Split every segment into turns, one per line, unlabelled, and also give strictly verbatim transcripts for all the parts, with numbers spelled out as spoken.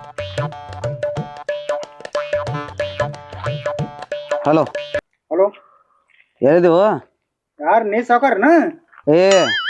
Hello
hello,
ಹೇಳಿದೆವು.
ಯಾರು ನೀ ಸಾವುಕಾರನ?
ಏ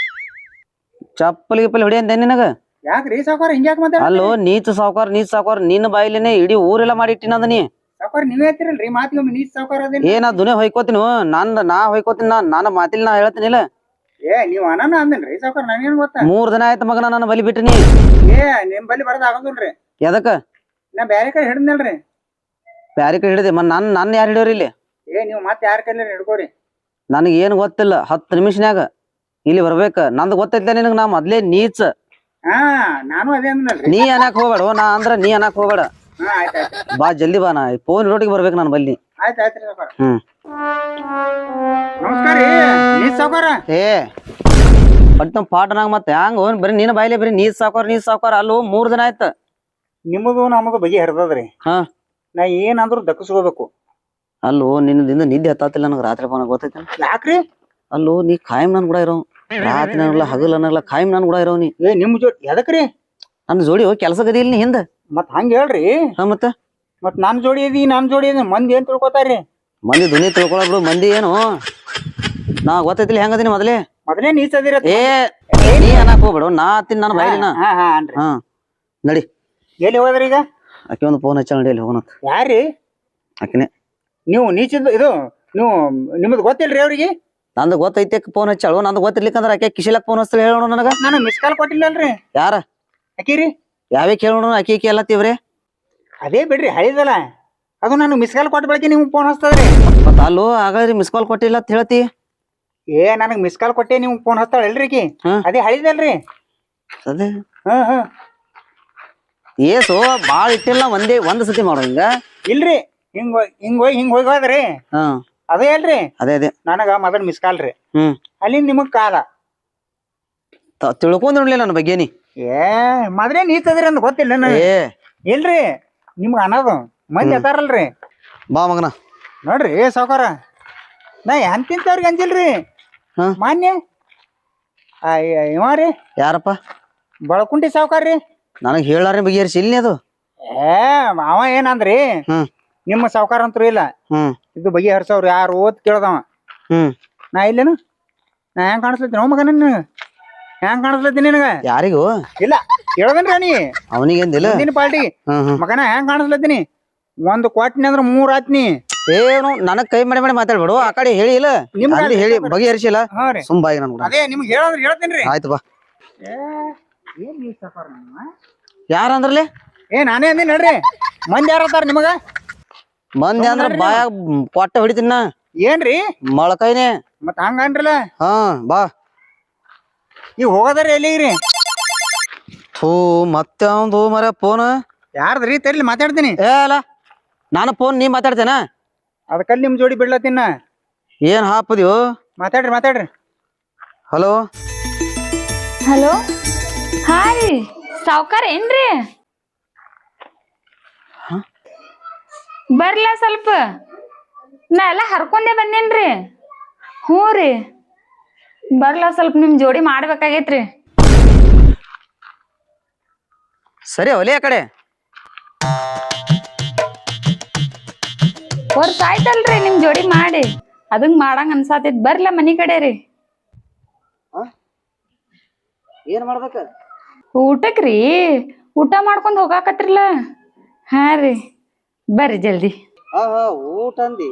ಚಪ್ಪಲಿ ಗಿಪ್ಪಲಿ ಹೊಡಿ ಅಂದೆ ನಿನಗ.
ಯಾಕ್ರಿ ಸಾವುಕಾರ ಹಿಂಗ್ಯಾಕ್ ಮಾತಾಡ?
ಅಲ್ಲೋ ನೀಚ ಸಾವುಕಾರ ನೀಚ ಸಾವುಕಾರ ನಿನ್ನ ಬಾಯಿಲೇನೆ ಇಡೀ ಊರೆಲ್ಲ ಮಾಡಿಟ್ಟಿನದ ನೀ.
ಸಾವುಕಾರ ನೀವೇ ಹೇಳ್ತಿರಲ್ರಿ ಮಾತಿಗೊಮ್ಮೆ ನೀ ಸಾವುಕಾರ ಅದೇನ?
ಏ ನಾ ದುನೇ ಹೊಯ್ಕೋತೀನಿ, ನಂದ್ ನಾ ಹೊಯ್ಕೋತೀನಿ. ನಾ ನನ್ನ ಮಾತಿಲ್ ನಾ ಹೇಳ್ತೀನಿಲ್ಲ.
ಏ ನೀವ್ ಅನಾನ ಅಂದನ್ರಿ ಸಾವುಕಾರ, ನನಗೇನ್ ಗೊತ್ತಾ?
ಮೂರ್ ದಿನ ಆಯ್ತು ಮಗನ ನನ್ನ ಬಲಿ ಬಿಟ್ಟಿನಿ.
ಏ ನಿಮ್ ಬಲ್ಲಿ ಬರೋದ್ ಆಗೋದಿಲ್ರಿ.
ಎದಕ್ಕ?
ನಾ ಬ್ಯಾರೆ ಕಡೆ ಹಿಡಿದ್ನಲ್ರಿ.
ಬ್ಯಾರೆ ಕಡೆ ಹಿಡಿದೆ ಮನ್ ನನ್ ನನ್ನ ಯಾರು ಹಿಡಿಯೋರಿ ಇಲ್ಲಿ?
ಏ ನೀವ್ ಮತ್ತೆ ಯಾರ ಕೈಲಿ ಹಿಡ್ಕೋರಿ?
ನನಗೆ ಏನು ಗೊತ್ತಿಲ್ಲ. ಹತ್ತು ನಿಮಿಷನ್ಯಾಗ ಇಲ್ಲಿ ಬರ್ಬೇಕ. ನಂದು ಗೊತ್ತೈತ್ಲ ನಿನಗ, ನಾ ಮೊದ್ಲೇ ನೀಚ.
ಹಾ ನಾನು ಅದೇ ಅಂದ್ನಲ್ರಿ.
ನೀ ಅನ್ನಕ್ ಹೋಗ್ಬೇಡ, ನಾ ಅಂದ್ರ ನೀ ಅನ್ನಕ್ ಹೋಗ್ಬೇಡ.
ಹಾ ಆಯ್ತಾಯ್ತು.
ಬಾ ಜಲ್ದಿ ಬಾ, ನಾ ಫೋನ್ ರೋಟಿಗೆ ಬರ್ಬೇಕು ನಾನು ಬಲ್ಲಿ.
ಆಯ್ತು ಆಯ್ತ್ರಿ ಸಾವುಕಾರ.
ಹ್ಮ್
ನಮಸ್ಕಾರ ರೀ ನೀ ಸಾವುಕಾರ.
ಏ ಬಟ್ ನಮ್ ಪಾಟನಾಗ ಮತ್ತೆ ಹಂಗ ಬರೀ ನೀನ್ ಬಾಯ್ಲೆ ಬರೀ ನೀರ್ ಸಾವ್ಕಾರ ನೀರ್ ಸಾವ್ಕಾರ. ಅಲ್ಲೋ ಮೂರ್ ದಿನ ಆಯ್ತ.
ನಿಮ್ಮದು ನಮ್ಮದು ಬಗೆ ಹರಿದದ್ರಿ.
ಹಾ
ನಾ ಏನಾದ್ರು ದಕ್ಕಸ್ಕೋಬೇಕು.
ಅಲ್ಲೋ ನಿನ್ನದಿಂದ ನಿದ್ದೆ ಹತ್ತಾತಿಲ್ಲ ನನಗೆ. ರಾತ್ರಿ ಬನ ಗೊತ್ತೈತೆ
ಯಾಕ್ರಿ?
ಅಲ್ಲೋ ನೀ ಖಾಯಂ ನನ್ ಕೂಡ ಇರೋ. ರಾತ್ರಿ ಅನ್ನಲ್ಲ ಹಗಲ್ ಅನ್ನಲ್ಲ ಖಾಯಂ ನನ್ ಕೂಡ ಇರೋ ನೀ.
ಏ ನಿಮ್ ಜೋಡಿ ಎದಕ್ರಿ?
ನನ್ ಜೋಡಿ ಹೋಗಿ ಕೆಲಸ ಗದಿ ಇಲ್ಲಿ ಹಿಂದ.
ಮತ್ ಹಂಗ ಹೇಳ್ರಿ.
ಹಾ ಮತ್ತ
ಮತ್ ನಾನ್ ಜೋಡಿ ಇದೀ ನಾನ್ ಜೋಡಿ ಇದೀನಿ ಮಂದಿ ಏನ್ ತಿಳ್ಕೊತಾರ್ರಿ?
ಮಂದಿ ಧ್ವನಿ ತಿಳ್ಕೊಳಬ್ರು. ಮಂದಿ ಏನು ನಾ ಗೊತ್ತೈತಿಲ್ಲ ಹೆಂಗದೀನಿ ಮೊದಲೇ.
ಮೊದಲೇ ನೀಚ ಅದಿರ.
ಏ ನೀ ಅನ್ನಕ್ ಹೋಗ್ಬೇಡು, ನಾ ತಿನ್ ನನ್ನ ಬಾಯ್ಲಿನ.
ಹಾ ಹಾ ಅನ್ರಿ.
ಹಾ ನಡಿ.
ಎಲ್ಲಿ ಹೋದ್ರಿ ಈಗ?
ಆಕೆ ಒಂದು ಫೋನ್ ಹಚ್ಚ ನಡಿ, ಅಲ್ಲಿ ಹೋಗೋಣ.
ಯಾರ್ರಿ?
ಆಕಿನೇ.
ನೀವು ನೀಚಿದ ಇದು ನೀವು ನಿಮ್ದು ಗೊತ್ತಿಲ್ರಿ ಅವ್ರಿಗೆ?
ನಂದು ಗೊತ್ತೈತೆ ಫೋನ್ ಹಚ್ಚಾಳು. ನಂದು ಗೊತ್ತಿರ್ಲಿಕ್ಕಂದ್ರ ಆಕೆ ಕಿಶಿಲಕ್ ಫೋನ್ ಹಚ್ಚಲಿ ಹೇಳೋಣ ನನಗ.
ನಾನು ಮಿಸ್ ಕಾಲ್ ಕೊಟ್ಟಿಲ್ಲಲ್ರಿ.
ಯಾರ
ಅಕ್ಕಿರಿ?
ಯಾವೇ ಕೇಳೋಣ. ಅಕ್ಕಿ ಅಕ್ಕಿ ಎಲ್ಲ ತೀವ್ರಿ.
ಅದೇ ಬಿಡ್ರಿ ಹಳಿದಲ್ಲ ಅದು. ನಾನು ಮಿಸ್ ಕಾಲ್ ಕೊಟ್ಟ ಬಳಕೆ ನಿಮ್ಗೆ ಫೋನ್ ಹಚ್ತದ್ರಿ.
ಮತ್ತ ಅಲ್ಲೋ ಹಾಗಾದ್ರಿ ಮಿಸ್ ಕಾಲ್ ಕೊಟ್ಟಿಲ್ಲ ಅಂತ ಹೇಳ್ತಿ.
ಏ ನನಗ್ ಮಿಸ್ ಕಾಲ್ ಕೊಟ್ಟೆ ನಿಮ್ಗೆ ಫೋನ್ ಹಚ್ತಾಳ ಎಲ್ರಿ ಆಕಿ? ಅದೇ ಹಳಿದಲ್ರಿ.
ಅದೇ
ಹಾ ಹಾ
ಏಸು ಬಾಳ ಇಟ್ಟಿಲ್ಲ, ಒಂದೇ ಒಂದ್ ಸತಿ ಮಾಡೋ ಹಿಂಗ.
ಇಲ್ರಿ ಹಿಂಗ್ ಹಿಂಗ್ ಹೋಗಿ ಹಿಂಗ್ ಹೋಗಿ ಹೋದ್ರಿ.
ಹಾ
ಅದೇ ಅಲ್ರಿ.
ಅದೇ ಅದೇ
ನನಗ ಮೊದಲ್ ಮಿಸ್ ಕಾಲ್ ರೀ.
ಹ್ಮ್
ಅಲ್ಲಿಂದ ನಿಮಗ್ ಕಾಲ
ತಿಳ್ಕೊಂಡ್ ನೋಡ್ಲಿಲ್ಲ ನನ್ನ ಬಗ್ಗೆ ನೀ.
ಏ ಮೊದಲೇ ನೀಚದ್ರಿ ಅಂತ ಗೊತ್ತಿಲ್ಲ ನನಗೆ.
ಏ
ಇಲ್ರಿ ನಿಮ್ಗ ಅನ್ನೋದು ಮಂದಿ ಅತಾರಲ್ರಿ.
ಬಾ ಮಗನ.
ನೋಡ್ರಿ ಸಾವುಕಾರ, ನಾ ಎಂತಿಂತವ್ರಿಗೆ ಅಂಜಿಲ್ರಿ.
ಹಾ
ಮಾನ್ಯ ಇವ ರೀ
ಯಾರಪ್ಪ?
ಬಳಕುಂಟಿ ಸಾವುಕಾರ ರೀ.
ನನಗ್ ಹೇಳಾರ ಬಗೆಹರಿಸಿ ಇಲ್ಲಿ ಅದು.
ಏ ಅವ ಏನಂದ್ರಿ,
ಹ್ಮ್
ನಿಮ್ಮ ಸಾವುಕಾರ ಅಂತೂ ಇಲ್ಲ,
ಹ್ಮ್
ಇದು ಬಗೆ ಹರ್ಸವ್ರು ಯಾರು ಓದ್ ಕೇಳ್ದವ.
ಹ್ಮ್
ನಾ ಇಲ್ಲೇನು ನಾ ಹೆಂಗ್ ಕಾಣಿಸ್ಲತ್ತೀನಿ ಮಗ? ನಿನ್ನ ಹೆಂಗ್ ಕಾಣಿಸ್ಲತ್ತೀನಿ ನಿನಗ?
ಯಾರಿಗೂ
ಇಲ್ಲ ಕೇಳದನ್ರಿ ನೀ
ಅವನಿಗೇಂದಿಲ್ಲ
ನಿನ್ನ ಪಾರ್ಟಿ ಮಗನ ಹೆಂಗ್ ಕಾಣಿಸ್ಲತ್ತೀನಿ? ಒಂದ್ ಕೊಟ್ಟಿನಿ ಅಂದ್ರ ಮೂರ್ ಆತ್ನಿ.
ಏನು ನನಗ್ ಕೈ ಮಾಡಿ ಮಾಡಿ ಮಾತಾಡ್ಬೇಡು. ಆ ಕಡೆ ಹೇಳಿ ಇಲ್ಲ
ನಿಮ್ಗೆ
ಹೇಳಿ ಬಗೆಹರಿಸಿಲ್ಲ.
ಹಾ ರೀ
ಸುಂಬಾಯಿ ನನ್ ಕೂಡ.
ಅದೇ ನಿಮ್ಗೆ ಹೇಳಂದ್ರೆ ಹೇಳ್ತೇನ್ರಿ.
ಆಯ್ತು ಬಾ.
ಏ ಏನ್ ನೀ ಸಾವುಕಾರ ನಿಮ್ಮ?
ಯಾರ ಅಂದ್ರಲಿ?
ಏ ನಾನೇ ಅಂದಿನಿ ನಡ್ರಿ. ಮಂದಿ ಯಾರತ್ತಾರ ನಿಮಗ?
ಮಂದಿ ಅಂದ್ರ ಬಾಯಾಗ ಕೊಟ್ಟ ಹೊಡಿತೀನ.
ಏನ್ರಿ
ಮೊಳಕೈನೆ
ಮತ್ ಹಂಗನ್ರಲ್ಲ.
ಹಾ ಬಾ.
ಈಗ ಹೋಗೋದಾರ ಎಲ್ಲಿಗ್ರಿ?
ಥೂ ಮತ್ತೆ ಅವಂದು ಮರ ಫೋನ್
ಯಾರ್ದ್ರಿ? ತರ್ಲಿ ಮಾತಾಡ್ತೀನಿ.
ಏ ಅಲ್ಲ ನಾನು ಫೋನ್ ನೀ ಮಾತಾಡ್ತೇನ?
ಅದಕ್ಕಲ್ಲಿ ನಿಮ್ ಜೋಡಿ ಬಿಡ್ಲತ್ತಿನ.
ಏನ್ ಹಾಪದ್ಯೋ?
ಮಾತಾಡ್ರಿ ಮಾತಾಡ್ರಿ.
ಹಲೋ
ಹಲೋ ಹಾ ರೀ ಸಾವ್ಕಾರ ಏನ್ರಿ? ಬರ್ಲಾ ಸ್ವಲ್ಪ, ನಾ ಎಲ್ಲ ಹರ್ಕೊಂಡೆ ಬಂದೇನ್ರಿ. ಹ್ಞೂ ರೀ ಬರ್ಲಾ ಸ್ವಲ್ಪ ನಿಮ್ ಜೋಡಿ ಮಾಡ್ಬೇಕಾಗೈತ್ರಿ.
ಸರಿ ಒಲೆ ಆ ಕಡೆ.
ವರ್ಷ ಆಯ್ತಲ್ರಿ ನಿಮ್ ಜೋಡಿ ಮಾಡಿ, ಅದಂಗ್ ಮಾಡಂಗ ಅನ್ಸಾತೈತ್. ಬರ್ಲಾ ಮನಿ ಕಡೆ ರೀ.
ಏನ್ ಮಾಡ್ಬೇಕ?
ಊಟಕ್ರಿ ಊಟ ಮಾಡ್ಕೊಂಡ್ ಹೋಗಾಕತ್ರಿಲ್ಲ. ಹಾ ರೀ ಬರ್ರಿ ಜಲ್ದಿ.
ಹಾ ಹಾ ಊಟ ಅಂದಿ.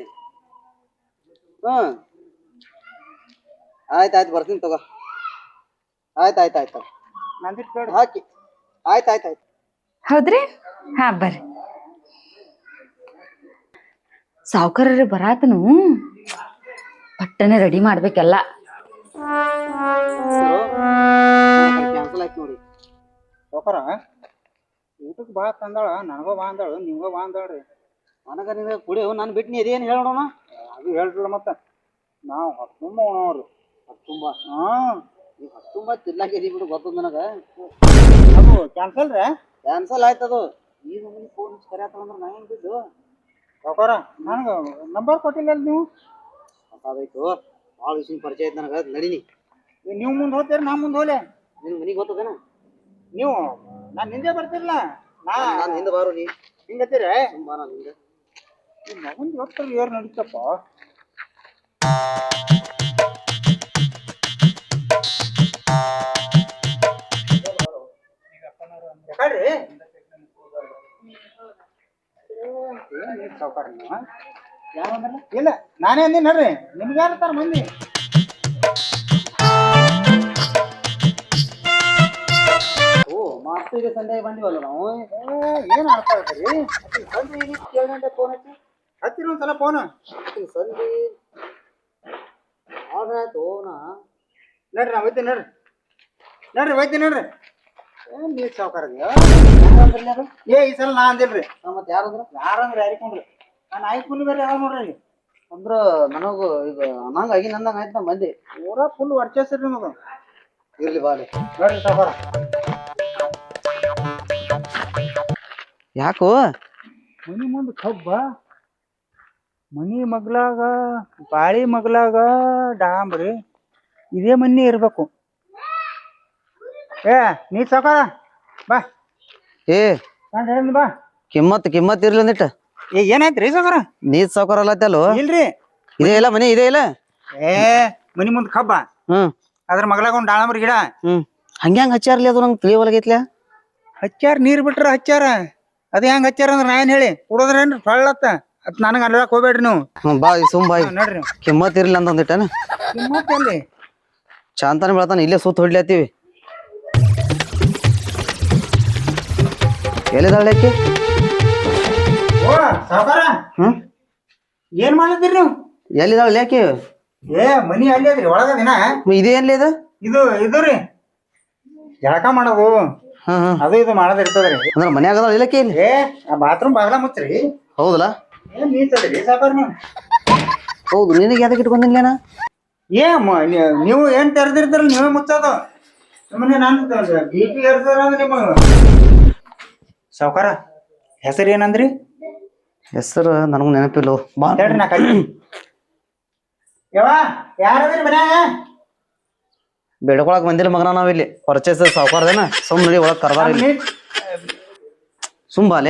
ಹ್ಮ್ ಆಯ್ತಾಯ್ತು ಬರ್ತೀನಿ ತಗೋ. ಆಯ್ತಾಯ್ತಾಯ್ತು ಹಾಕಿ. ಆಯ್ತಾಯ್ತಾಯ್ತು.
ಹೌದ್ರಿ ಹಾ ಬರ್ರಿ. ಸಾವ್ಕಾರ್ರಿ ಬರಾತನು, ಪಟ್ಟನೆ ರೆಡಿ ಮಾಡ್ಬೇಕೆಲ್ಲ.
ಕ್ಯಾನ್ಸಲ್ ಆಯ್ತು ನೋಡಿ.
ಸಾವುಕಾರ ಊಟಕ್ಕೆ ಬಾ ತಂದಾಳ, ನನಗೋ ಬಾ ಅಂದಾಳು, ನಿಮ್ಗೋ ಬಾ ಅಂದಾಳ್ರಿ.
ನನಗ ನಿನಗ ಕುಡಿ ನಾನು ಬಿಟ್ಟು ನೀ ಅದೇನು ಹೇಳೋಣ?
ಅದು ಹೇಳ್ತಿಲ್ಲ ಮತ್ತೆ. ನಾವು ಹತ್ತುಂಬ ಉಣವ್ರು.
ಹತ್ತುಂಬ?
ಹಾ
ನೀವು ಹತ್ತುಂಬ ತಿರ್ಲಾಕಿದಿ ಬಿಡು, ಗೊತ್ತದ ನನಗ.
ಅದು ಕ್ಯಾನ್ಸಲ್ ರೀ?
ಕ್ಯಾನ್ಸಲ್ ಆಯ್ತದು. ಈಗ ನಮಗೆ ಫೋನ್ ಕರೆಯತ್ತಂದ್ರೆ ನಾ ಹೆಂಗ್ ಬಿದ್ದು?
ಸಾವುಕಾರ ನನಗೆ ನಂಬರ್ ಕೊಟ್ಟಿಲ್ಲ ನೀವು.
ಗೊತ್ತಾಯ್ತು, ಭಾಳ ವಿಷಯ ಪರಿಚಯ ಐತೆ ನನಗೆ. ನಡೀನಿ.
ನೀವು ಮುಂದೆ ಹೋಗ್ತೀರಿ ನಾ ಮುಂದೆ ಹೋಲೆ.
ನಿನ್ ಮನೆಗೆ ಗೊತ್ತದೇನ?
ನೀವು ನಾನು ನಿಂದೆ ಬರ್ತಿರಲ್ಲ,
ನಾನು ಹಿಂದೆ ಬಾರು ನೀ
ಹಿಂಗತ್ತೀರ
ಸುಮ್ಮ ನಾನು ಹಿಂದೆ
ಮಗನ್ ಡಾಕ್ಟರ್ ಯಾರು ನಡೀತಪ್ಪ ಯಾಕಡ್ರಿ ಸಾವುಕಾರ ಇಲ್ಲ ನಾನೇ ಅಂದಿನಿ ನೋಡ್ರಿ ನಿಮ್ಗೆ ಯಾರು ಮಂದಿ
ಓ ಮಾಸ್ತಿಗೆ ಸಂಡೆ ಬಂದಿವಲ್ಲ ನಾವು
ಏನು ಆಡ್ತಾ ಇದ್ದೀರಿ
ಸಂಜೆ ಏಳು ಗಂಟೆ ಫೋನ್ ಹಚ್ಚಿ
ಹತ್ತಿರ ಒಂದ್ಸಲ ಫೋನ್
ಸಂಜೆ ಆರ್ಡ್ರ್ ಆಯ್ತು ನಾ
ನೋಡ್ರಿ ನಾ ಒಯ್ತೀನಿ ನೋಡ್ರಿ ನೋಡ್ರಿ ಒಯ್ತೀನಿ ನೋಡ್ರಿ ಏನ್ ನೀರ್ ಸಾವುಕಾರ ಏ ಈ ಸಲ ನಾ ಅಂದಿಲ್ರಿ
ಮತ್ತೆ ಯಾರಂದ್ರ
ಯಾರಂದ್ರೆ ಯಾರಿಕೊಂಡ್ರಿ ನಾನು ಆಯ್ತು ಮುನಿ ಬೇರೆ ಯಾವಾಗ ನೋಡ್ರಿ
ಅಂದ್ರ ನನಗೂ ಈಗ ಅನ್ನಂಗ ಆಗಿ ನಂದಂಗ ಆಯ್ತು ನಮ್ಮ ಮಂದಿ
ಪೂರಾ ಫುಲ್ ವರ್ಚಸ್ರಿ ನಿಮಗ
ಇರ್ಲಿ ಬಾಲಿ
ನೋಡ್ರಿ ಸಾವುಕಾರ
ಯಾಕೋ
ಮನಿ ಮುಂದೆ ಕಬ್ಬ ಮನಿ ಮಗ್ಲಾಗ ಬಾಳಿ ಮಗ್ಲಾಗ ಡಾಂಬ್ರಿ ಇದೇ ಮನಿ ಇರ್ಬೇಕು ಏ ನೀ ಸಾವುಕಾರ ಬಾ
ಏ
ನಾನು ಹೇಳಿ ಬಾ
ಕಿಮ್ಮತ್ ಕಿಮ್ಮತ್ ಇರ್ಲಿ ಅಂದಿಟ್ಟ
ಏ ಏನಾಯ್ತ್ರಿ ಸಾವುಕಾರ
ನೀರ್ ಸಾವ್ಕಾರ ಅಲ್ಲತ್ತಲ್ವ
ಇಲ್ರಿ
ಇದೇ ಇಲ್ಲ ಮನೆ ಇದೇ ಇಲ್ಲ
ಏ ಮನಿ ಮುಂದೆ ಕಬ್ಬ
ಹ್ಮ್
ಅದ್ರ ಮಗ್ಲಾಗ ಒಂದು ದಾಳಂಬ್ರಿ ಗಿಡ
ಹ್ಮ್ ಹಂಗೆ ಹಂಗ ಹಚ್ಚಾರ್ಲಿ ಅದು ನಂಗೆ ತಿಳಿಯವಲ್ಗೈತ್ಲ
ಹಚ್ಚಾರ ನೀರ್ ಬಿಟ್ರ ಹಚ್ಚಾರ ಅದ ಹೆಂಗ್ ಹಚ್ಚಾರ ಅಂದ್ರ ನಾ ಏನ್ ಹೇಳಿ ಕುಡೋದ್ರೇನ್ರಿ ಫಳ್ಳತ್ತ ಅದ್ ನನಗ ಅನ್ಲಕ್ ಹೋಗ್ಬೇಡ್ರಿ ನೀವು
ಹ್ಮ್ ಬಾ ಸುಮ್ ಬಾಯ್
ಹಾ, ನೋಡ್ರಿ
ಕಿಮ್ಮತ್ ಇರ್ಲಿ ಅಂತ ಅಂದಿಟ್ಟನ
ಕಿಮ್ಮತ್ತಲ್ಲಿ
ಶಾಂತಾನ ಬೆಳತಾನ ಇಲ್ಲೇ ಸುತ್ತ ಹೊಡ್ಲತ್ತೀವಿ ಎಲ್ಲಿದಾಳಕ್ಕೆ
ಓ ಸಾವುಕಾರ
ಹ್ಮ್
ಏನ್ ಮಾಡ್ಲತ್ತೀರಿ ನೀವು
ಎಲ್ಲಿದಾಳ ಯಾಕೆ
ಏ ಮನಿ ಅಲ್ಲಿ ಅದ್ರಿ ಒಳಗದಿನ
ಇದೇ ಏನ್ಲಿ ಇದು
ಇದು ಇದು ರೀ ಜಳಕ ಮಾಡೋದು
ಹ್ಮ್ ಹ್ಮ್
ಅದು ಇದು ಮಾಡೋದ್ ಇರ್ತದ್ರಿ
ಅಂದ್ರ ಮನ್ಯಾಗ ಅದಾಳ ಇಲ್ಲಕ್ಕೆ ಇಲ್ಲಿ
ಏ ಆ ಬಾತ್ರೂಮ್ ಬಾಗ್ಲ ಮುಚ್ಚ್ರಿ
ಹೌದಲ್ಲ
ಏನ್ ನೀಚದ್ರಿ ಸಾವುಕಾರ ನೀವು
ಹೌದು ನಿನಗೆ ಯಾವ್ದಕ್ಕೆ ಇಟ್ಕೊಂಡಿಲ್ಲೇನ
ಏ ಮ- ನೀ- ನೀವು ಏನ್ ತೆರೆದಿರ್ತೀರಲ್ಲ ನೀವೇ ಮುಚ್ಚೋದು ಸುಮ್ಮನೆ ನಾನು ಬಿ ಪಿ ಏರ್ಸೋದ್ರ ನಿಮ್ಮ ಸಾವುಕಾರ ಹೆಸರು ಏನಂದ್ರಿ
ಹೆಸರು ನನಗೂ ನೆನಪಿಲ್ಲ ಬಾ
ಹೇಳ್ರಿ ನಾ ಕೈ ಯವ್ವ ಯಾರದ್ರಿ ಮನ್ಯಾಗ
ಬೆಡ್ಕೊಳಕ್ ಬಂದಿಲ್ಲ ಮಗನ ನಾವಿಲ್ಲಿ ಪರ್ಚೇಸ್ ಸಾವುಕಾರದೇನ ಸುಮ್ ನಡಿ ಒಳಗ್ ಕರ್ದಾರ ಇಲ್ಲಿ ಸುಮ್ ಬಾಲೆ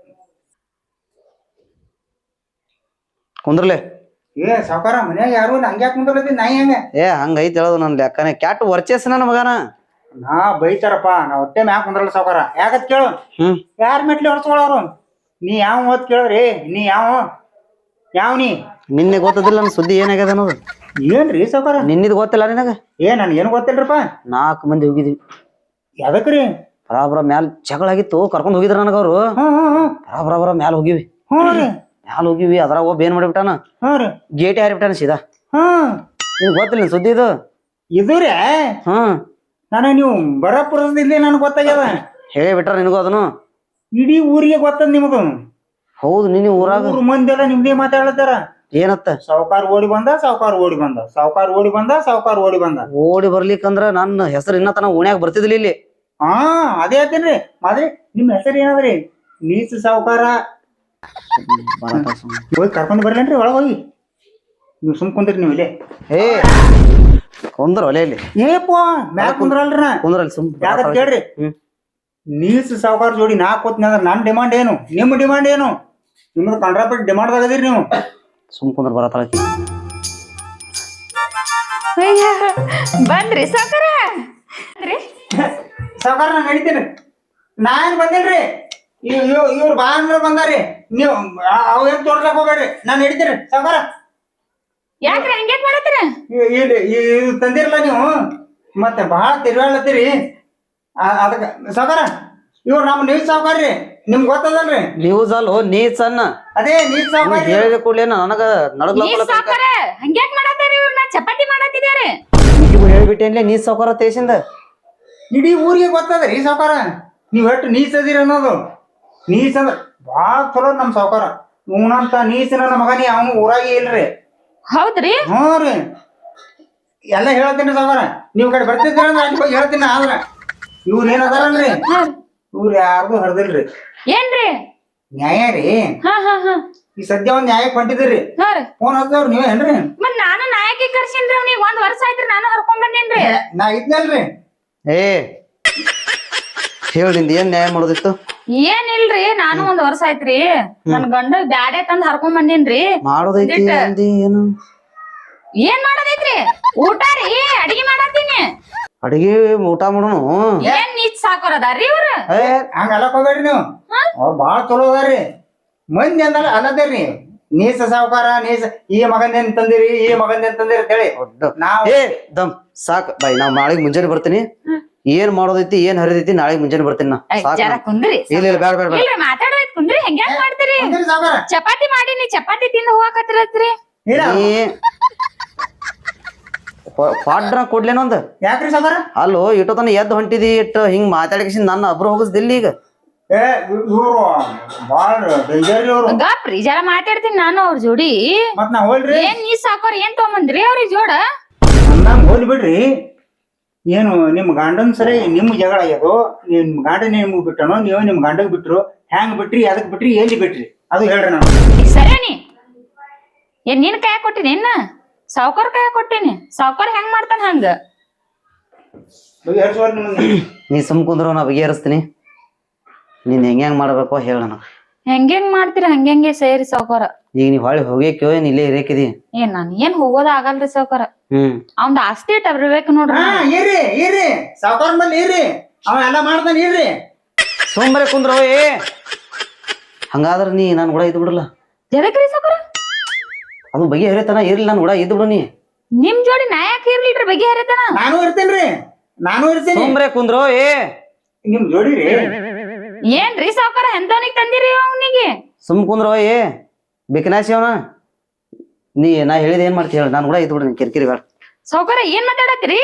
ಕುಂದ್ರಲೆ
ಏ ಸಾವುಕಾರ ಮನ್ಯಾಗ ಯಾರು ಇಲ್ಲ ಹಂಗ್ಯಾಕ್ ಕುಂದ್ರಲತ್ತಿ ನಾಯಿ ಹೆಂಗ
ಏ ಹಂಗೈತಿ ಹೇಳೋದು ನನ್ ಲೆಕ್ಕನೆ ಕ್ಯಾಟ್ ವರ್ಚೇಸ್ ನನ್ನ ಮಗನ
ನಾ ಬೈತಾರಪ್ಪ ನಾ ಹೊಟ್ಟೆ ಮ್ಯಾಕ್ ಕುಂದ್ರಲ್ಲ ಸಾವುಕಾರ ಯಾಕತ್ ಕೇಳು
ಹ್ಮ್
ಯಾರ ಮೆಟ್ಲಿ ಹೊಡ್ಸ್ಕೊಳವ್ರು ನೀ ಯಾವ ಓದ್ ಕೇಳ್ರಿ ನೀ ಯಾವ ಯಾವ ನೀ
ನಿನ್ನೆ ಗೊತ್ತದಿಲ್ಲ ನನ್ನ ಸುದ್ದಿ ಏನಾಗ್ಯದ ಅನ್ನೋದು
ಏನ್ರಿ ಸಾವುಕಾರ
ನಿನ್ನಿದ್ ಗೊತ್ತಿಲ್ಲ ನಿನಗ
ಏ ನನ್ ಏನು ಗೊತ್ತಿಲ್ರಪ್ಪ
ನಾಲ್ಕು ಮಂದಿ ಹೋಗಿದ್ವಿ
ಯಾದಕ್ರಿ
ಬರಾಬರ ಮ್ಯಾಲ ಜಗಳ ಆಗಿತ್ತು ಕರ್ಕೊಂಡ್ ಹೋಗಿದ್ರ ನನಗ ಅವ್ರು
ಹ್ಮ್ ಹ್ಮ್ ಹ್ಮ್
ಬರಾಬರ ಬರ ಮ್ಯಾಲ ಹೋಗಿವಿ
ಹ್ಞೂ ರೀ
ಮ್ಯಾಲ ಹೋಗಿವಿ ಅದ್ರಾಗ ಒಬ್ಬ ಏನ್ ಮಾಡಿಬಿಟ್ಟಾನ
ಹ್ಞೂ ರೀ
ಗೇಟಿ ಹಾರಿಬಿಟ್ಟಾನ ಸೀದಾ
ಹ್ಮ್
ನಿನ್ ಗೊತ್ತಿಲ್ಲ ನಿನ್ ಸುದ್ದಿ ಇದು
ಇದು ರೀ
ಹ್ಮ್
ನಾನು ನೀವು ಬರಪುರದಲ್ಲಿ ನನ್ಗೆ ಗೊತ್ತಾಗ್ಯದ
ಹೇಳಿ ಬಿಟ್ರ ನಿನಗೂ ಅದನ್ನು
ಇಡೀ ಊರಿಗೆ ಗೊತ್ತದ ನಿಮದು
ಹೌದು ನಿನ್ನ ಊರಾಗ
ಊರ್ ಮಂದಿ ಎಲ್ಲ ನಿಮ್ದೇ ಮಾತಾಡ್ತಾರ
ಏನತ್ತ
ಸಾವುಕಾರ ಓಡಿ ಬಂದ ಸಾವುಕಾರ ಓಡಿ ಬಂದ ಸಾವುಕಾರ ಓಡಿ ಬಂದ ಸಾವುಕಾರ ಓಡಿ ಬಂದ
ಓಡಿ ಬರ್ಲಿಕ್ಕಂದ್ರ ನನ್ನ ಹೆಸರು ಇನ್ನ ತನ ಓಣ್ಯಾಗ ಬರ್ತಿದ್ಲಿ ಇಲ್ಲಿ
ಹಾ ಅದೇ ಹೇಳ್ತೇನ್ರಿ ಮಾದ್ರಿ ನಿಮ್ ಹೆಸರು ಏನದ್ರಿ ನೀಚ ಸಾವುಕಾರ ಹೋಗಿ ಕರ್ಕೊಂಡ್ ಬರ್ಲೇನ್ರಿ ಒಳಗ್ ಹೋಗಿ ನೀವು ಸುಮ್ ಕುಂದ್ರಿ ನೀವು ಇಲ್ಲೇ
ಏ ಕುಂದ್ರ ಒಲೆ ಇಲ್ಲಿ
ಏಪ್ಪ ಮ್ಯಾಲ ಕುಂದ್ರಲ್ರಿ ನಾ
ಕುಂದ್ರ ಅಲ್ಲಿ ಸುಮ್
ಯಾಕಂತ ಕೇಳ್ರಿ
ಹ್ಮ್
ನೀಚ ಸಾವುಕಾರ ಜೋಡಿ ನಾ ಕೂತ್ನಿ ಅಂದ್ರ ನನ್ ಡಿಮಾಂಡ್ ಏನು ನಿಮ್ ಡಿಮಾಂಡ್ ಏನು ನಿಮ್ದು ಕಂಡ್ರಾಪಟ್ಟಿ ಡಿಮಾಂಡ್ ಆಗದಿರಿ ನೀವು
ಸುಮ್ ಕುಂದ್ರ ಬರತಾಳ
ಅಯ್ಯ ಬಂದ್ರಿ ಸಾಕರ
ಸಾವುಕಾರ ನಾನು ನಡಿತೀನಿ ನಾ ಏನ್ ಬಂದಿಲ್ರಿ ಇವ್ರು ಬಾ ಅಂದ್ರ ಬಂದಾರಿ ನೀವು ಅವ್ ಏನ್ ತೋರ್ಸಕ್ ಹೋಗ್ಬೇಡ್ರಿ ನಾನ್ ನಡಿತೀನಿ ಸಾವುಕಾರ
ಯಾಕ್ರಿ ಹಂಗ್ಯಾಕ್ ಮಾಡತ್ತೀರ
ಇಲ್ಲಿ ಇದು ತಂದಿರಲ್ಲ ನೀವು ಮತ್ತೆ ಬಹಳ ತಿರ್ಗಾಳತ್ತೀರಿ ಅದಕ್ಕ ಸಾವುಕಾರ ಇವ್ರು ನಮ್ಮ ನೀವ್ ಸಾವುಕಾರ್ರಿ ನಿಮ್ಗೆ ಗೊತ್ತದಲ್ರಿ
ನ್ಯೂಸ್ ಅಲ್ಲೋ ನೀಚ್ ಅನ್ನ
ಅದೇ ನೀವ್ ಸಾವುಕಾರ
ಹೇಳಿದ ಕೂಡಲೇ ನನಗ ನಡಗ್ಲ
ನೀವ್ ಸಾಕರ ಹಂಗ್ಯಾಕ್ ಮಾಡತ್ತೀರಿ ಇವ್ರನ್ನ ಚಪಾತಿ ಮಾಡತ್ತಿದಾರೆ
ಹೇಳ್ಬಿಟ್ಟೇನ್ಲೆ ನೀಚ್ ಸಾವ್ಕಾರ ತೇಸಿಂದ
ಇಡೀ ಊರಿಗೆ ಗೊತ್ತದ್ರಿ ಸಾವುಕಾರ ನೀವ್ ಎಷ್ಟು ನೀಚದಿರಿ ಅನ್ನೋದು ನೀಚ ಅಂದ್ರ ಭಾಳ ಚಲೋ ನಮ್ ಸಾವುಕಾರ ಇವನಂತ ನೀಚ ನನ್ನ ಮಗನಿ ಅವನು ಊರಾಗಿ ಇಲ್ರಿ
ಹೌದ್ರಿ
ಹ್ಞೂ ರೀ ಎಲ್ಲ ಹೇಳ್ತೀನಿ ಸಾವುಕಾರ ನೀವ್ ಕಡೆ ಬರ್ತಿದ್ರ ಅಂದ್ರೆ ಅಲ್ಲಿ ಹೋಗಿ ಹೇಳ್ತೀನಿ ಆದ್ರ ಇವ್ರ ಏನ್ ಅದಾರಲ್ರಿ ಇವ್ರು ಯಾರ್ದು ಹರ್ದಿಲ್ರಿ
ಏನ್ರಿ
ನ್ಯಾಯ ರೀ
ಹಾ ಹಾ ಹಾ
ಈ ಸದ್ಯ ಒಂದ್ ನ್ಯಾಯಕ್ಕೆ ಹೊಂಟಿದ್ರಿ
ಹಾ ರೀ
ಫೋನ್ ಹಚ್ದವ್ರು ನೀವೇನ್ರಿ
ಮತ್ ನಾನು ನಾಯಕಿ ಕರ್ಸಿನ್ರಿ ಅವ್ನಿಗೆ ಒಂದ್ ವರ್ಷ ಆಯ್ತ್ರಿ ನಾನು ಹರ್ಕೊಂಡ್ ಬಂದೇನ್ರಿ
ನಾ ಇದ್ನಲ್ರಿ
ಏ ಹೇಳಿ ನಿಂದ ಏನ್ ನ್ಯಾಯ ಮಾಡೋದಿತ್ತು
ಏನಿಲ್ರಿ ನಾನು ಒಂದ್ ವರ್ಷ ಆಯ್ತ್ರಿ ನನ್ ಗಂಡ ಬ್ಯಾಡೆ ತಂದ್ ಹರ್ಕೊಂಡ್ ಬಂದಿನ್ರಿ.
ಮಾಡೋದೈತಿ
ಒಂದಿಟ್ಟ-
ಅಂದಿ ಏನು
ಏನ್ ಮಾಡೋದೈತ್ರಿ? ಊಟ ರೀ ಅಡಿಗೆ ಮಾಡತ್ತೀನಿ.
ಅಡಿಗೆ ಊಟ ಮಾಡೋನು
ಏನ್ ನೀಚ್ ಸಾಕೋರದಾರ್ರಿ ಇವ್ರ?
ಏ ಹಂಗ ಅಲ್ಲಕ್ ಹೋಗ್ಬೇಡ್ರಿ ನೀವು. ಅವ್ರು ಬಾಳ ಚಲೋ ಅದಾರ್ರಿ. ಮಂದಿ ಅಂದಲ್ಲ ಅಲ್ಲದೇರಿ ನೀಸ ಸಾವುಕಾರ ನೀಸ ಈ ಮಗಂದೇನ್ ತಂದಿರಿ ಈ ಮಗಂದೇನ್ ತಂದಿರಿ ಅಂತ ಹೇಳಿ ನಾವ್
ಏ ದಮ್ ಸಾಕ್ ಬಾಯ್ ನಾವ್ ನಾಳೆಗ್ ಮುಂಜಾನೆ ಬರ್ತೀನಿ. ಏನ್ ಮಾಡೋದೈತಿ ಏನ್ ಹರಿದೈತಿ ನಾಳೆಗ್ ಮುಂಜಾನೆ ಬರ್ತೀನಿ ನಾ
ಐ,
ಸಾಕ್
ಜರ
ನಾ.
ಕುಂದ್ರಿ.
ಇಲ್ಲ ಇಲ್ಲ ಬೇಡ ಬೇಡ ಬೇಡ
ಇಲ್ರಿ ಮಾತಾಡೋದ್ ಕುಂದ್ರಿ ಹೆಂಗ್ಯಾಕ್ ಮಾಡ್ತೀರಿ?
ತಂದಿರಿ ಸಾವುಕಾರ.
ಚಪಾತಿ ಮಾಡೀನಿ ಚಪಾತಿ ತಿಂದು ಹೋಗಾಕತ್ತಿರತ್ರಿ.
ಇಲ್ಲ
ನೀ ಪಾಡ್ರ ಕೊಡ್ಲೇನೊಂದ್
ಯಾಕ್ರಿ ಸಾವುಕಾರ?
ಅಲ್ಲೋ ಇಟ್ಟು ತನ ಎದ್ದು ಹೊಂಟಿದಿ ಇಟ್ಟು ಹಿಂಗ್ ಮಾತಾಡಿಸಿ ನನ್ನ ಅಬ್ರು ಹೋಗಿಸ್ದಿಲ್ಲ ಈಗ.
ಏ ಇವ್ರು ಬಾಳ ಡೇಂಜರ್ ಇವ್ರು.
ಗಪ್ರಿ ಜರ ಮಾತಾಡ್ತೀನಿ ನಾನು ಅವ್ರ ಜೋಡಿ.
ಮತ್ ನಾ ಹೋಲ್ರಿ
ಏನ್ ನೀ ಸಾಕೋರ್ ಏನ್ ತಗೊಂಬಂದ್ರಿ ಅವ್ರಿಗೆ ಜೋಡ?
ಅಂದಂಗ ಹೋಲ್ ಬಿಡ್ರಿ. ಏನು ನಿಮ್ ಗಂಡನ್ ಸರಿ ನಿಮ್ ಜಗಳ ಆಗ್ಯದು ನಿಮ್ ಗಂಡನ ನಿಮ್ಗ್ ಬಿಟ್ಟನೋ ನೀವು ನಿಮ್ ಗಂಡಗ್ ಬಿಟ್ರು ಹ್ಯಾಂಗ್ ಬಿಟ್ರಿ ಅದಕ್ ಬಿಟ್ರಿ ಎಲ್ಲಿ ಬಿಟ್ರಿ ಅದು ಹೇಳ್ರಿ ನಾನು.
ಸರಿನಿ ಏನ್ ನಿನ್ ಕೈ ಕೊಟ್ಟಿನಿ ಇನ್ನ ಸಾವ್ಕಾರ್ ಕೈ ಕೊಟ್ಟಿನಿ. ಸಾವ್ಕಾರ್ ಹೆಂಗ್ ಮಾಡ್ತಾನ ಹಂಗ?
ಬಗೆಹರಿಸುವರ್ ನಿಮ್ಮನ್ನ.
ನೀ ಸುಮ್ ಕುಂದ್ರು ನಾ ಬಗೆಹರಿಸ್ತೀನಿ. ನೀನ್ ಹೆಂಗ್ ಹೆಂಗ್ ಮಾಡ್ಬೇಕೋ ಹೇಳ ನನಗ.
ಹೆಂಗೆಂಗ್ ಮಾಡ್ತೀರಿ ಹಂಗೆಂಗೆ ಸೇರಿ ಸಾವ್ಕಾರ.
ಈಗ ನೀವ್ ಹೊಳ್ಳಿ ಹೋಗ್ಯಾಕ್ಯೋ ಏನ್ ಇಲ್ಲೇ ಇರೇಕಿದಿ?
ಏನ್ ನಾನ್ ಏನ್ ಹೋಗೋದ ಆಗಲ್ರಿ ಸಾವ್ಕಾರ.
ಹ್ಮ್
ಅವ್ನ್ ಆಸ್ತಿ ಇಟ್ಟ ಬರ್ಬೇಕು ನೋಡ್ರಿ.
ಹಾ ಇರ್ರಿ ಇರ್ರಿ ಸಾವುಕಾರ ಮೇಲೆ ಇರ್ರಿ ಅವ ಎಲ್ಲಾ ಮಾಡ್ತಾನ ಇರ್ರಿ.
ಸೋಂಬರೆ ಕುಂದ್ರ ಏ ಹಂಗಾದ್ರ ನೀ ನಾನ್ ಕೂಡ ಇದ್ ಬಿಡಲ್ಲ.
ಜರಕ್ರಿ ಸಾವ್ಕಾರ
ಅದು ಬಗೆಹರಿತನ ಇರ್ಲಿ ನಾನ್ ಕೂಡ ಇದ್ ಬಿಡು ನೀ.
ನಿಮ್ ಜೋಡಿ ನಾ ಯಾಕೆ ಇರ್ಲಿಲ್ರಿ ಬಗೆಹರಿತನ?
ನಾನು ಇರ್ತೇನ್ರಿ ನಾನು ಇರ್ತೇನೆ.
ಸೋಂಬರೆ ಕುಂದ್ರೋ ಏ
ನಿಮ್ ಜೋಡಿ ರೀ.
ಏನ್ರಿ ಸಾವ್ಕಾರ ಎಂತವನಿಗ್ ತಂದಿರಿ ಅವನಿಗೆ?
ಸುಮ್ ಕುಂದ್ರೋ ಏ ಬಿಕನಾಸಿ ಅವನ ನೀ ನಾ ಹೇಳಿದ ಏನ್ ಮಾಡ್ತಿ ಹೇಳ ನಾನ್ ಕೂಡ ಇದ್ ಬಿಡು ನೀ ಕಿರಿಕಿರಿ ಬೇಡ.
ಸಾವ್ಕಾರ ಏನ್ ಮಾತಾಡತ್ರಿ?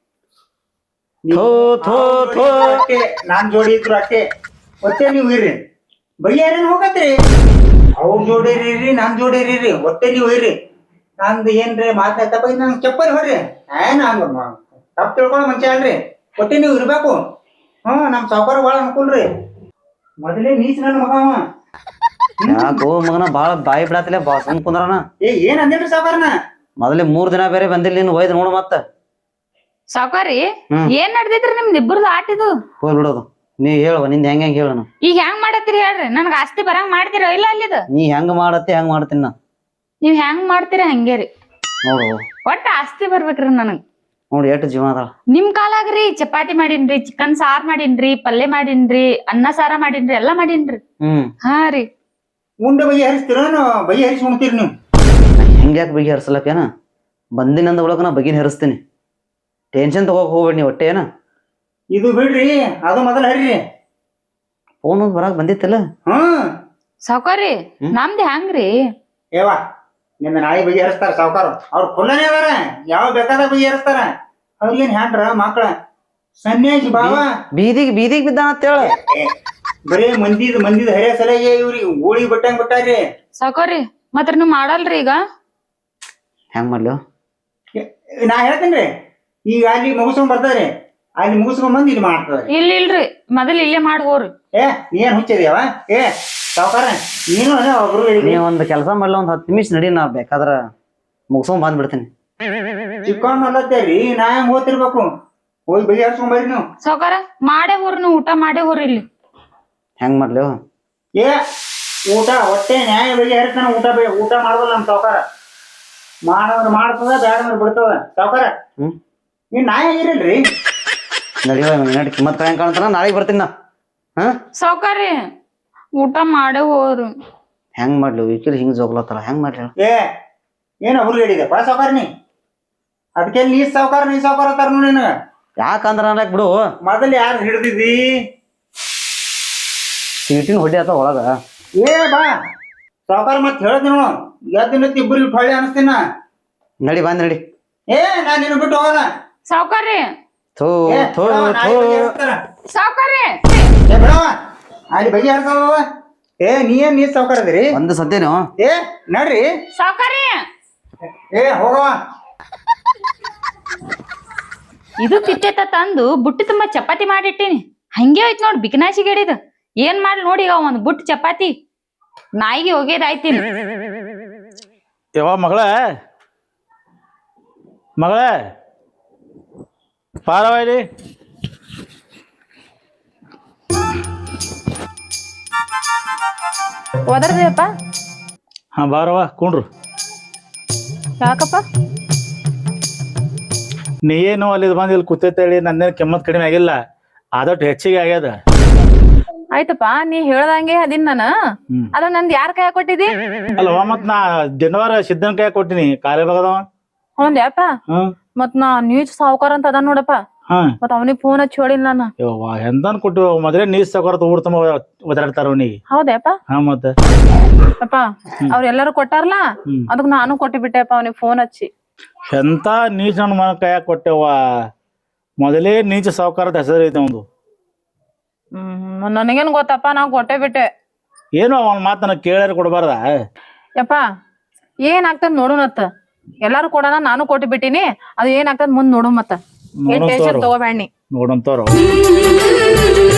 ಥೋ ಥೋ ಥೋ
ಅಷ್ಟೇ ನಾನ್ ಜೋಡಿ ಇದ್ರು ಅಷ್ಟೇ ಒತ್ತೆ ನೀವು ಇರ್ರಿ ಬಗೆಹರಿನ ಹೋಗತ್ರಿ. ಅವ್ರ ಜೋಡಿ ಇರ್ರಿ ನಾನ್ ಜೋಡಿ ಇರ್ರಿ ಒತ್ತೆ ನೀವು ಇರ್ರಿ. ನಂದು ಏನ್ರಿ ಮಾತನ್ನ ತಪ್ಪ ನಂಗೆ ಚಪ್ಪಲ್ ಹೊಡ್ರಿ ಏನ್ ಹಂಗ ತಪ್ಪು ತಿಳ್ಕೊಳ್ಳೋ ಮನುಷ್ಯ ಅಲ್ರಿ. ಒಟ್ಟೆ ನೀವು ಇರ್ಬೇಕು. ಹ್ಮ್ ನಮ್ ಸಾವುಕಾರ ಬಾಳ ಅನ್ಕೂಲ್ರಿ. ಮೊದಲೇ ನೀಚ ನನ್ನ ಮಗ ಅವ.
ಯಾಕೋ ಮಗನ ಬಾಳ ಬಾಯಿ ಬಿಡಾತಿಲ್ಲ ಬಾ ಸುಮ್ ಕುಂದ್ರನ.
ಏ ಏನ್ ಅಂದಿಲ್ರಿ ಸಾವುಕಾರನ?
ಮೊದಲೇ ಮೂರ್ ದಿನ ಬೇರೆ ಬಂದಿಲ್ಲ ನೀನು ಒಯ್ದು ನೋಡು ಮತ್ತ.
ಸಾವ್ಕಾರಿ
ಹ್ಮ್.
ಏನ್ ನಡ್ದೈತ್ರಿ ನಿಮ್ದು ಇಬ್ಬರದು ಆಟಿದು?
ಹೋಗ್ ಬಿಡೋದು ನೀ ಹೇಳುವ ನಿಂದ ಹೆಂಗ ಹೆಂಗ್ ಹೇಳನು.
ಈಗ ಹೆಂಗ್ ಮಾಡತ್ತೀರಿ ಹೇಳ್ರಿ ನನ್ಗ ಆಸ್ತಿ ಬರಂಗ್ ಮಾಡ್ತೀರ ಇಲ್ಲ ಅಲ್ಲಿದ?
ನೀ ಹೆಂಗ್ ಮಾಡತ್ತಿ ಹೆಂಗ್ ಮಾಡ್ತೀನಿ ನಾ.
ನೀವ್ ಹೆಂಗ್ ಮಾಡ್ತೀರಿ ಹಂಗೇರಿ.
ನೋಡು
ಒಟ್ಟ ಆಸ್ತಿ ಬರ್ಬೇಕ್ರಿ ನನಗ್.
ನೋಡಿ ಎಷ್ಟು ಜೀವನ ಅದಾಳ.
ನಿಮ್ ಕಾಲಾಗ್ರಿ ಚಪಾತಿ ಮಾಡೀನ್ರಿ ಚಿಕನ್ ಸಾರ್ ಮಾಡೀನ್ರಿ ಪಲ್ಯ ಮಾಡೀನ್ರಿ ಅನ್ನ ಸಾರ ಮಾಡೀನ್ರಿ ಎಲ್ಲಾ ಮಾಡೀನ್ರಿ.
ಹ್ಮ್
ಹಾ ರೀ
ಉಂಡೆ ಬಗೆಹರಿಸ್ತೀರ ಬಗೆಹರಿಸಿ ಉಣ್ತೀರಿ ನೀವು?
ಹೆಂಗ್ ಯಾಕೆ ಬಗೆಹರಿಸಲಕ್ಕೇನ ಬಂದಿನಂದ ಒಳಗ ನಾ ಬಗೆನ ಹರಿಸ್ತೀನಿ. ಟೆನ್ಷನ್ ತಗೋಕ್ ಹೋಗ್ಬೇಡಿ ನೀ ಒಟ್ಟೆ ಏನ.
ಇದು ಬಿಡ್ರಿ ಅದು ಮೊದಲ ಹರಿರಿ.
ಫೋನ್ ಒಂದ್ ಬರಾಕ್ ಬಂದಿತ್ತಲ್ಲ.
ಹ್ಮ್
ಸಾವ್ಕಾರಿ ನಮ್ದ್ ಹೆಂಗ್ರಿ?
ಏವಾ ನಿನ್ನ ನಾಯಿ ಬಗೆಹರಿಸ್ತಾರ ಸಾವುಕಾರ. ಅವ್ರ ಖುಲ್ಲನೇ ಅದಾರ ಯಾವ ಬೇಕಾದಾಗ ಬಗೆಹರಿಸ್ತಾರ. ಅವ್ರಿಗೇನ್ ಹ್ಯಾಂಡ್ರ ಮಕ್ಳ ಸನ್ಯಾಸಿ ಬಾವ
ಬೀದಿಗೆ ಬೀದಿಗೆ ಬಿದ್ದಾನ ಅಂತೇಳ.
ಬರೀ ಮಂದಿದ್ ಮಂದಿದ್ ಹರಿಯ ಸಲಹೆ ಇವ್ರಿಗೆ ಗೋಳಿ ಬಟ್ಟಂಗ್ ಬಿಟ್ಟಾರ್ರಿ.
ಸಾವ್ಕಾರಿ ಮತ್ರ ನೀವ್ ಮಾಡಲ್ರಿ ಈಗ?
ಹೆಂಗ್ ಮಾಡ್ಲು?
ನಾ ಹೇಳ್ತೇನ್ರಿ ಈಗ ಅಲ್ಲಿ ಮುಗಿಸ್ಕೊಂಡ್ ಬರ್ತಾರ್ರಿ ಅಲ್ಲಿ ಮುಗಿಸ್ಕೊಂಡ್ ಬಂದ್ ಇಲ್ಲಿ ಮಾಡ್ತಾರೆ.
ಇಲ್ಲ ಇಲ್ರಿ ಮೊದಲ್ ಇಲ್ಲೇ ಮಾಡಿ ಹೋರಿ.
ಏ ನೀನ್ ಹುಚ್ಚಿದ್ಯಾವ? ಏ ಸಾವುಕಾರ ನೀನು ಒಬ್ರು
ನೀ ಒಂದ್ ಕೆಲಸ ಮಾಡ್ಲ ಒಂದ್ ಹತ್ತು ನಿಮಿಷ ನಡಿ ನಾ ಬೇಕಾದ್ರ ಮುಗಿಸ್ಕೊಂಡ್ ಬಂದ್ಬಿಡ್ತೀನಿ.
ಚಿಕ್ಕಣ್ಣ ಅಲ್ಲತ್ತೇರಿ ನಾ ಹೆಂಗ್ ಓದ್ತಿರ್ಬೇಕು? ಹೋಗಿ ಬಗೆಹರಿಸ್ಕೊಂಡ್ ಬರ್ರಿ ನೀವು.
ಸಾವ್ಕಾರ ಮಾಡೇ ಹೋರಿ ನೀವು ಊಟ ಮಾಡೇ ಹೋರಿ ಇಲ್ಲಿ.
ಹೆಂಗ್ ಮಾಡ್ಲು?
ಏ ಊಟ ಹೊಟ್ಟೆ ನ್ಯಾಯ ಬಗೆಹರಿಸ್ತಾನ. ಊಟ ಬೇ ಊಟ ಮಾಡೋದಲ್ಲ ನಮ್ ಸಾವುಕಾರ. ಮಾಡೋದ್ರ ಮಾಡ್ತದ ಬ್ಯಾಡಂದ್ರ ಬಿಡ್ತದ ಸಾವುಕಾರ.
ಹ್ಮ್
ನೀವ್ ನಾಯಿ ಆಗಿರಲ್ರಿ.
ನಡಿವ ನಡಿ ಕಿಮ್ಮತ್ ಕಳೆ ಕಾಣ್ತಾನ ನಾಳೆಗೆ ಬರ್ತೀನಿ ನಾ. ಹಾ
ಸಾವ್ಕಾರಿ ಊಟ ಮಾಡೇ ಹೋರಿ.
ಹೆಂಗ್ ಮಾಡ್ಲು ವಿಕಿಲ್ ಹಿಂಗ್ ಜೋಗ್ಲತ್ತಾರ ಹೆಂಗ್ ಮಾಡ್ಲಿ ಹೇಳು?
ಏ ಏನ ಹುರುಳು ಹೇಳಿದೆ ಪಾ ಸಾವುಕಾರ ನೀ? ಅದಕ್ಕೆ ನೀ ಸಾವುಕಾರ ನೀ ಸಾವುಕಾರ ಅಂತಾರ ನೋಡಿ ನಿನಗ.
ಯಾಕಂದ್ರ ಅನ್ಲಕ್ ಬಿಡು
ಮೊದಲ್ ಯಾರು ಹಿಡ್ದಿದ್ದಿ?
ಸೀಟಿನ ಹೊಡಿ ಆತ ಒಳಗ.
ಏ ಬಾ ಸಾವುಕಾರ ಮತ್ ಹೇಳ್ತೀನಿ ನೋಡು ಎದ್ದಿನ ಇಬ್ಬರಿಗೆ ಹೊಳ್ಳಿ ಅನಿಸ್ತೀನ.
ನಡಿ ಬಂದ್ ನಡಿ.
ಏ ನಾನ್ ನಿನ್ನ ಬಿಟ್ಟು ಹೋಗಲ್ಲ.
ಸಾವ್ಕಾರಿ
ಥೋ
ಏ
ಥೋ
ಬಿಡವ್ವ, ನಾಳೆ
ಥೋ
ಬಗೆಹರಿಸ್ತಾರ.
ಸಾವ್ಕಾರಿ
ಏ ಬಿಡವ ಅಲ್ಲಿ ಬಗೆಹರಿಸವ. ಏ ನೀ ಏನ್ ನೀ ಸಾವುಕಾರ ಅದಿರಿ?
ಒಂದು ಸದ್ಯನು
ಏ ನಡ್ರಿ.
ಸಾವ್ಕಾರಿ
ಏ ಹೋಗವ.
ಇದು ತಿಟ್ಟೆತ ತಂದು ಬುಟ್ಟಿ ತುಂಬಾ ಚಪಾತಿ ಮಾಡಿಟ್ಟಿನಿ ಹಂಗೆ ಹೋಯ್ತು ನೋಡ್ ಬಿಕನಾಶಿ ಗಡಿದ. ಏನ್ ಮಾಡ್ಲಿ ನೋಡಿ ಈಗ ಒಂದ್ ಬುಟ್ಟಿ ಚಪಾತಿ ನಾಯಿಗೆ ಹೋಗ್ಯದಾಯ್ತೀನಿ.
ಯವ್ವ ಮಗಳ ಮಗಳ ಪಾರವಾಯ್ಲಿ
ಒದರ್ದೇಪ್ಪ
ಹಾ ಬಾರವ್ವ ಕುಂಡ್ರು.
ಯಾಕಪ್ಪ?
ನೀ ಏನು ಅಲ್ಲಿ ಬಂದು ಇಲ್ಲಿ ಕೂತೇಳಿ ನಂದೇನು ಕೆಮ್ಮತ್ ಕಡಿಮೆ ಆಗಿಲ್ಲ, ಆದಷ್ಟು ಹೆಚ್ಚಿಗೆ ಆಗ್ಯದ.
ಆಯ್ತಪ್ಪ, ನೀ ಹೇಳ್ದಂಗೆ ಅದಿನ್ ನಾನು.
ಹ್ಮ್
ಅದ ನಂದ್ ಯಾರ ಕೈ ಕೊಟ್ಟಿದಿ?
ಅಲ್ಲವ್ವ ಮತ್ ನಾ ಜನವಾರ ಸಿದ್ದನ ಕೈ ಕೊಟ್ಟಿನಿ ಕಾಲೇ ಬಗದವ.
ಹೌದ್ಯಾಪ?
ಹ್ಮ್
ಮತ್ ನಾ ನೀಚ್ ಸಾವ್ಕಾರ ಅಂತ ಅದ ನೋಡಪ್ಪ.
ಹಾ
ಮತ್ ಅವನಿಗೆ ಫೋನ್ ಹಚ್ಚಿ ಹೇಳಿಲ್ಲ ನಾನು.
ಯವ್ವ ಎಂದನ್ ಕೊಟ್ಟು ಮೊದಲೇ ನೀರ್ ಸಕೊರತ ಊರ್ ತುಂಬ ಒದಾಡ್ತಾರ ಅವನಿಗೆ.
ಹೌದ್ಯಾಪ?
ಹಾ ಮತ್ತ
ಅಪ್ಪ ಅವ್ರೆಲ್ಲಾರು ಕೊಟ್ಟಾರಲ್ಲ,
ಹ್ಮ್
ಅದಕ್ ನಾನು ಕೊಟ್ಟು ಬಿಟ್ಟೆಪ್ಪ ಅವನಿಗೆ ಫೋನ್ ಹಚ್ಚಿ.
ಎಂತ ನೀಚ ನನ್ನ ಮನ ಕೈಯಾಗ ಕೊಟ್ಟೆವ್ವ. ಮೊದಲೇ ನೀಚ ಸಾವುಕಾರದ ಹೆಸರು ಐತೆ ಒಂದು.
ಹ್ಮ್ ನನಗೇನ್ ಗೊತ್ತಪ್ಪ, ನಾ ಕೊಟ್ಟೆ ಬಿಟ್ಟೆ.
ಏನು ಅವನ ಮಾತು ನನಗೆ ಕೇಳ್ಯಾರ ಕೊಡಬಾರ್ದ?
ಯಪ್ಪ ಏನಾಗ್ತದ ನೋಡುನತ್ತ. ಎಲ್ಲಾರು ಕೊಡೋಣ, ನಾನು ಕೊಟ್ಟು ಬಿಟ್ಟಿನಿ. ಅದು ಏನಾಗ್ತದ ಮುಂದ್ ನೋಡು ಮತ್ತ. ಏನ್ ಟೆನ್ಷನ್ ತಗೋಬೇಡಿ.
ನೋಡಂತವ್ರು